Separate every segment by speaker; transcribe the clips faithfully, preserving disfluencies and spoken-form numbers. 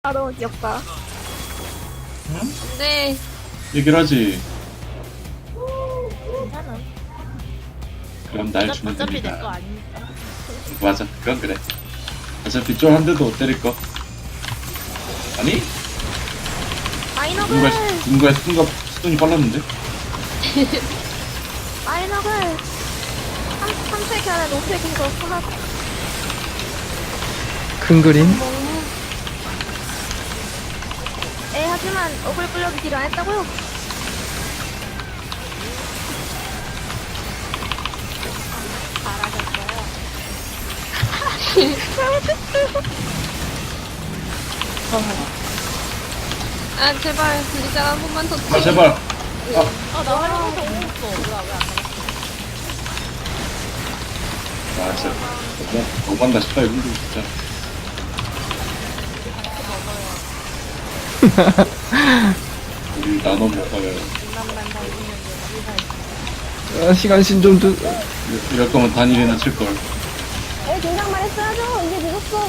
Speaker 1: 아 너무 귀엽다.
Speaker 2: 응?
Speaker 3: 네.
Speaker 2: 얘기를 하지.
Speaker 1: 괜찮아.
Speaker 2: 그럼 날 주면
Speaker 1: 어차피 내
Speaker 2: 됩니다.
Speaker 1: 거 아니니까.
Speaker 2: 맞아, 그건 그래. 어차피 쫄 한 대도 못 때릴 거. 아니?
Speaker 1: 마이너글!
Speaker 2: 누군가 누군가 수dun가 수dun이 빨랐는데?
Speaker 1: 마이너글! 삼, 삼색 안에 노색에서 하나
Speaker 4: 큰 그림?
Speaker 1: 에 하지만 어글 끌려도 딜 안 했다고요?
Speaker 3: 아 제발 리장 한 번만 더.
Speaker 2: 아 제발. 아,
Speaker 1: 아, 나 활용해서 못 먹어. 뭐야, 왜안
Speaker 2: 아 진짜 너무 너무한다 싶다 이거 진짜. 우리 나눠 먹어요.
Speaker 4: 아, 시간 신좀 주.
Speaker 2: 이럴 거면 단일이나 칠 걸.
Speaker 1: 에, 긴장만 했어야죠. 이제 늦었어.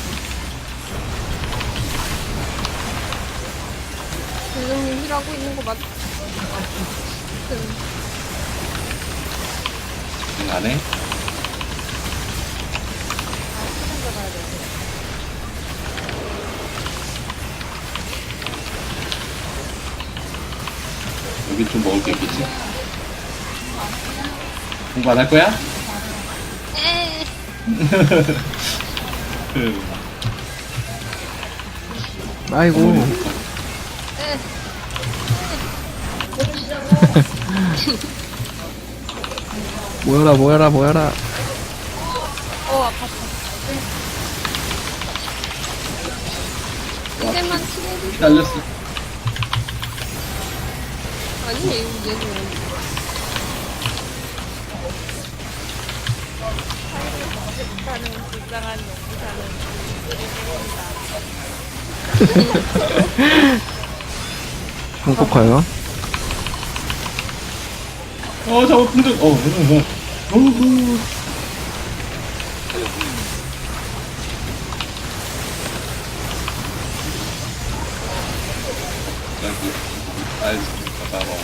Speaker 3: 지금 일하고 있는 거 맞?
Speaker 2: 응, 안 해? 여기 좀 먹을 게 있겠지? 공부 안 할 거야?
Speaker 3: 에.
Speaker 2: 그,
Speaker 4: 아이고.
Speaker 3: 에.
Speaker 4: 모여라, 모여라, 모여라.
Speaker 3: 어 아팠어. 이제만 친해지.
Speaker 2: 날렸어.
Speaker 3: 아니 얘는.
Speaker 1: 못하는 불쌍한 농부사는 우리
Speaker 4: 한국화요?
Speaker 2: 어, 저거 풍등, 어, 어, 어. 어후. 여기, 아이스, 가봐봐.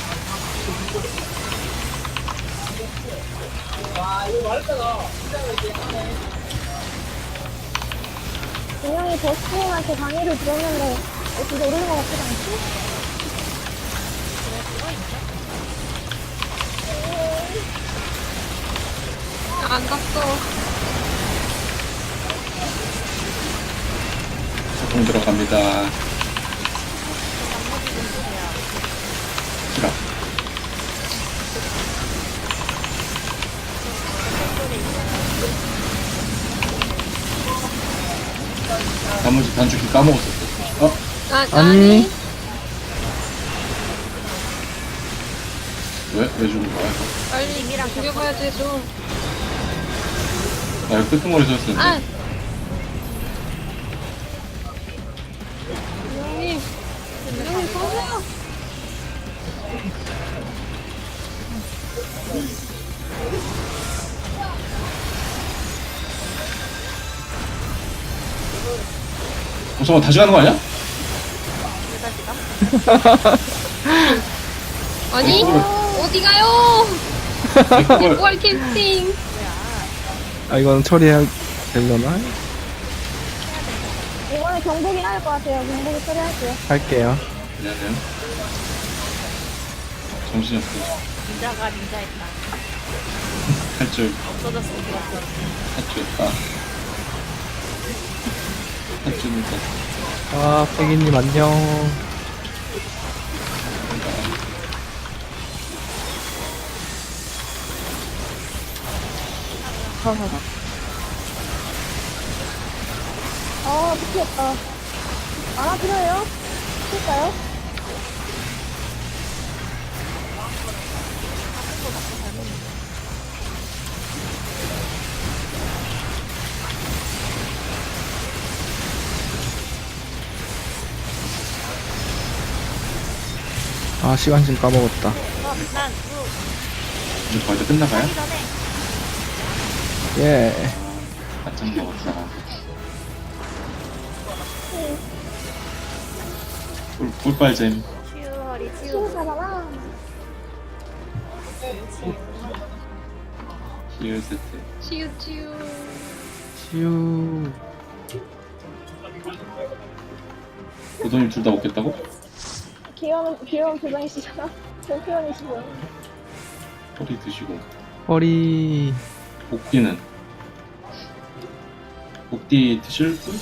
Speaker 1: 분명히 버스님한테 강의를 들었는데 어, 진짜 오르는 것 같지도 않지?
Speaker 3: 안 갔어.
Speaker 2: 소통 들어갑니다. 싫어. 나머지 단축키 까먹었었어. 어?
Speaker 3: 아
Speaker 4: 아니.
Speaker 3: 아니.
Speaker 2: 왜? 왜 죽은 거야?
Speaker 3: 빨리 이미랑 죽여봐야지 좀.
Speaker 2: 나 이거 끄트머리 썼었는데.
Speaker 3: 아. 형님. 형님 서세요.
Speaker 2: 어, 잠깐 다시 가는 거 아니야?
Speaker 3: 아니
Speaker 2: 어,
Speaker 3: 어디 가요?
Speaker 2: 이걸
Speaker 3: 월 캠핑.
Speaker 4: 아, 이건 처리해야 되려나?
Speaker 1: 이번에 경복이 나을 것 같아요. 경복이 처리할게요.
Speaker 4: 할게요.
Speaker 2: 미안해요. 정신이 없어.
Speaker 1: 닌자가 닌자했다.
Speaker 2: 할줄
Speaker 1: 없어졌으면 좋았어.
Speaker 2: 할줄 없다. 할줄이니까.
Speaker 4: 아, 패기님 안녕.
Speaker 1: 아, 미치겠다. 만화 필요해요? 칠까요?
Speaker 4: 아, 시간 좀 까먹었다.
Speaker 1: 어, 난, 루,
Speaker 2: 이제 벌써 끝나가요?
Speaker 1: 하기 전에
Speaker 4: 예.
Speaker 2: 바짝 먹었어. 꿀, 꿀빨잼.
Speaker 5: 치유 허리 치유.
Speaker 1: 치우사잖아.
Speaker 2: 치유 세트.
Speaker 3: 치유 치유.
Speaker 4: 치유.
Speaker 2: 도도님 둘 다 먹겠다고?
Speaker 1: 귀여운, 귀여운 표정이시잖아. 제 표현이시고요.
Speaker 2: 허리 드시고.
Speaker 4: 허리.
Speaker 2: 복디는? 복디 드실 분?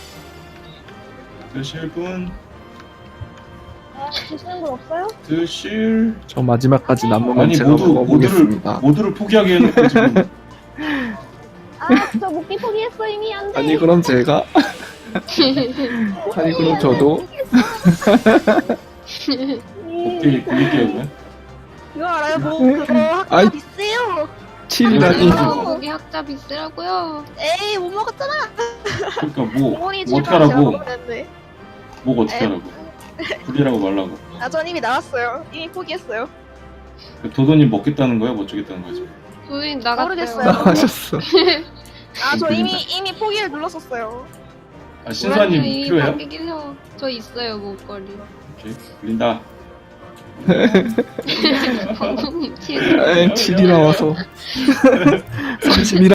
Speaker 2: 드실 분?
Speaker 1: 아, 드시는 분 없어요?
Speaker 2: 드실...
Speaker 4: 저 마지막까지 남으면
Speaker 2: 아니
Speaker 4: 제가
Speaker 2: 모두, 모두를,
Speaker 4: 먹어보겠습니다.
Speaker 2: 모두를 포기하게 해놓고 지금
Speaker 1: 아, 저 목기 포기했어, 이미. 안 돼.
Speaker 4: 아니 그럼 제가 아니 그럼 저도
Speaker 2: 복디 굴릴게요 그냥.
Speaker 5: 그거 알아요? 뭐 그거
Speaker 4: 아이.
Speaker 5: 학교 비싸요.
Speaker 4: 칠이라니.
Speaker 2: 아니.
Speaker 3: 거기 학자 비싸라고요.
Speaker 5: 에이 못 먹었잖아.
Speaker 2: 그러니까 뭐,
Speaker 5: 부모님
Speaker 2: 뭐 어떻게
Speaker 5: 제가
Speaker 2: 하라고?
Speaker 5: 먹었는데.
Speaker 2: 뭐 어떻게
Speaker 5: 에.
Speaker 2: 하라고? 굴리라고 말라고.
Speaker 5: 아, 전 이미 나왔어요. 이미 포기했어요.
Speaker 2: 도도님 먹겠다는 거야? 뭐 어쩌겠다는 거야 지금?
Speaker 3: 도인 나갔어요.
Speaker 5: 모르겠어요.
Speaker 4: 나가셨어.
Speaker 5: 아, 저 이미 이미 포기를 눌렀었어요.
Speaker 2: 아 신사님
Speaker 3: 이미
Speaker 2: 필요해요?
Speaker 3: 바뀌긴 저 있어요 목걸이.
Speaker 2: 오케이 굴린다.
Speaker 3: 방금 치유.
Speaker 4: 에 칠이 나와서 삼십이라